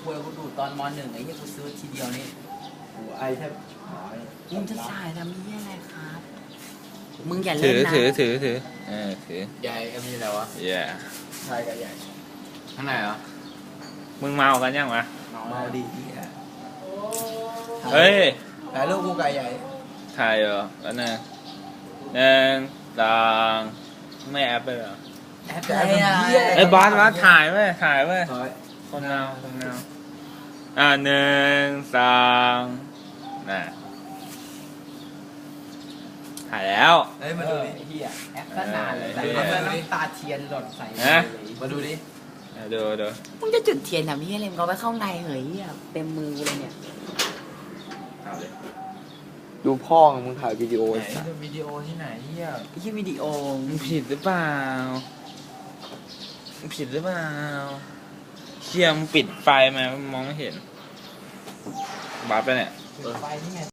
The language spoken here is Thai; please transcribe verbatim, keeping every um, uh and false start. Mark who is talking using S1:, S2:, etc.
S1: วยกูดูตอนมหนึ่งไอ้เหี้ยกูซื้อทีเดียวนี่
S2: กูไอแทบหาย
S1: มึงจะถ่ายทำเหี้ยอะไรครับมึงอย่า
S3: ถื
S1: เล่น
S3: อ
S1: นะ
S3: ถือถือถือเออถือ
S4: ใหญ่เอ็มนี่อะไรวะ
S3: แย่
S2: ชายกับใหญ่
S4: ข้างในเหรอ
S3: มึงเมากันยังวะ
S2: เมาดีที่อ่ะ
S3: เฮ้ย
S2: ถ่ายรูปกูกับใหญ่
S3: ถ่ายเหรอแล้วนะหนึ่งสองไม่แอปไปเหรอ
S1: แอปอะไรอ่ะ
S3: ไอ้ยบอสบอสถ่ายไว้ยถ่ายไว้ย
S2: ถ่าย
S3: คนเงาคนเงาอ่าหนึ่งสองน่ะถ่ายแล้ว
S2: เฮ้ยมาดูดิ
S1: เหี้ยแอปก็นานเลยแต่
S3: เออ
S1: เขาเป็นน้ำตาเทียนหล่นใส่
S3: ฮะ
S2: มาดูดิ
S3: อ่ะดูดู
S1: มึงจะจุดเทียนทำเหี้ยอะไรมึงเอาไว้เข้าในเหยเหี้ยเต็มมือกูเลยเนี่ย
S3: เอาเลย
S2: ดูพ่อมึงถ่ายวิดีโอ
S4: ไหนดูวิดีโอที่ไหนเฮีย
S1: ไอ้เหี้ยวิดีโอ
S3: มึงผิดหรือเปล่ามึงผิดหรือเปล่าเชี่ยมึงปิดไฟมามงมองไม่เห็นบัฟไปเนี่ย
S1: ไฟนี่ไง